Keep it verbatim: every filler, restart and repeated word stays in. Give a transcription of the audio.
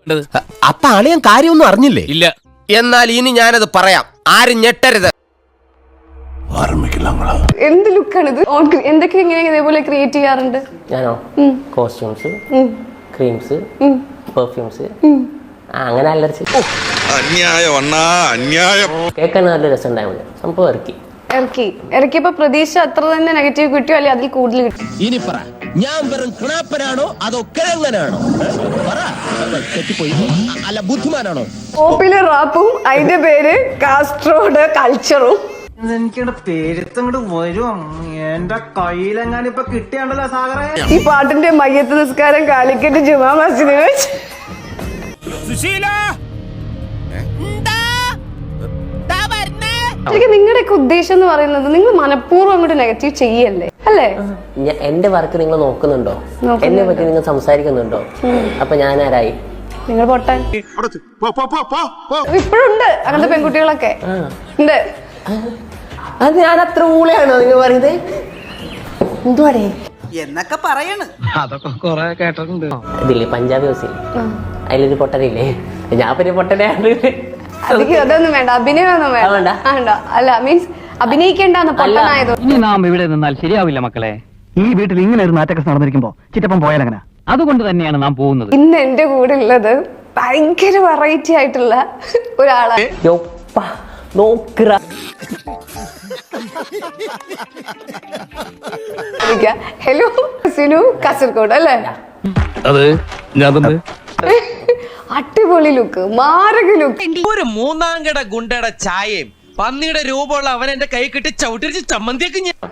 അപ്പൊ അളിയൻ കാര്യമൊന്നും അറിഞ്ഞില്ലേ? ഇല്ല. എന്നാൽ ഇനി ഞാനത് പറയാം, ആരും ഞെട്ടരുത്. എന്ത് ലുക്കാണിത്? എന്തൊക്കെ ഇങ്ങനെ ഇതേപോലെ ക്രിയേറ്റ് ചെയ്യാറുണ്ട്? ഞാനോ കോസ്റ്റ്യൂംസ്, ക്രീംസ്, പെർഫ്യൂംസ്, അങ്ങനെ അലർച്ചി കേൾക്കാൻ നല്ല രസം ഉണ്ടായിരുന്നു. സംഭവം ഇറക്കി ഇറക്കി ഇറക്കിയപ്പോ പ്രതീക്ഷ അത്ര തന്നെ നെഗറ്റീവ് കിട്ടിയോ അല്ലെ അതിൽ കൂടുതൽ കിട്ടി? ഇനി പറ, ഞാൻ വെറും കിണാപ്പനാണോ അതോ കിഴങ്ങനാണോ? അല്ല ബുദ്ധിമാനാണോ? പോപ്പുലർ റാപ്പും അതിന്റെ പേര് കാസ്ട്രോഡ് കൾച്ചറും. എനിക്കിവിടെ പേരുത്തങ്ങോട്ട് വരും. എന്റെ കയ്യിലെങ്ങാനും ഇപ്പൊ കിട്ടിയാണ്ടല്ലോ സാഗറേ. ഈ പാട്ടിന്റെ മയ്യത്ത് നിസ്കാരം കാലിക്കറ്റ് ജുമാ മസ്ജിദിൽ വെച്ച്. ശരിക്കും നിങ്ങളുടെയൊക്കെ ഉദ്ദേശം എന്ന് പറയുന്നത് നിങ്ങൾ മനഃപൂർവ്വം അങ്ങോട്ട് നെഗറ്റീവ് ചെയ്യല്ലേ, അല്ലേ? എന്റെ വർക്ക് നിങ്ങൾ നോക്കുന്നുണ്ടോ? എന്നെ പറ്റി നിങ്ങൾ സംസാരിക്കുന്നുണ്ടോ? അപ്പൊ ഞാൻ ആരായി? നിങ്ങൾ പൊട്ടാൻ ഇപ്പോഴുണ്ട് അങ്ങനത്തെ പെൺകുട്ടികളൊക്കെ ഉണ്ട്. അത് ഞാൻ അത്ര ഊളയാണോ നിങ്ങൾ പറയുന്നത്? എന്തുവാടേ എന്നൊക്കെ പറയണ്. അതൊക്കെ കൊറേ കേട്ടിട്ടുണ്ട്. ഇതില്ലേ പഞ്ചാബി ഹൗസിൽ അതിലൊരു പൊട്ടനില്ലേ? ഞാൻ പിന്നെ പൊട്ടനെയാണ്. അതിക്ക് അതൊന്നും വേണ്ട, അഭിനയമൊന്നും വേണ്ട. വേണ്ട അല്ല മീൻസ് അഭിനയിക്കേണ്ടെന്ന് പൊട്ടനായതോ. ഇനി നാം ഇവിടെ നിന്നാൽ ശരിയാവില്ല മക്കളെ. ഈ വീട്ടിൽ ഇങ്ങനെ ഒരു നാറ്റൊക്കെ നടന്നിരിക്കുമ്പോ ചിറ്റപ്പം പോയാലങ്ങനെ. അതുകൊണ്ട് തന്നെയാണ് നാം പോകുന്നത്. ഇന്ന് എന്റെ കൂടെ ഉള്ളത് ഭയങ്കര വെറൈറ്റി ആയിട്ടുള്ള ഒരാളാണ്. ഹലോ സിനു കാസർഗോഡ് അല്ലേ? അത് ഞാൻ തന്നെ. അടിപൊളി ലുക്ക്, മാരക ലുക്ക്. ഒരു മൂന്നാം കട ഗുണ്ടയുടെ ചായയും പന്നിയുടെ രൂപമുള്ള അവൻ എന്റെ കൈ കിട്ടി ചവിട്ടിരിച്ച് ചമ്മന്തിയൊക്കെ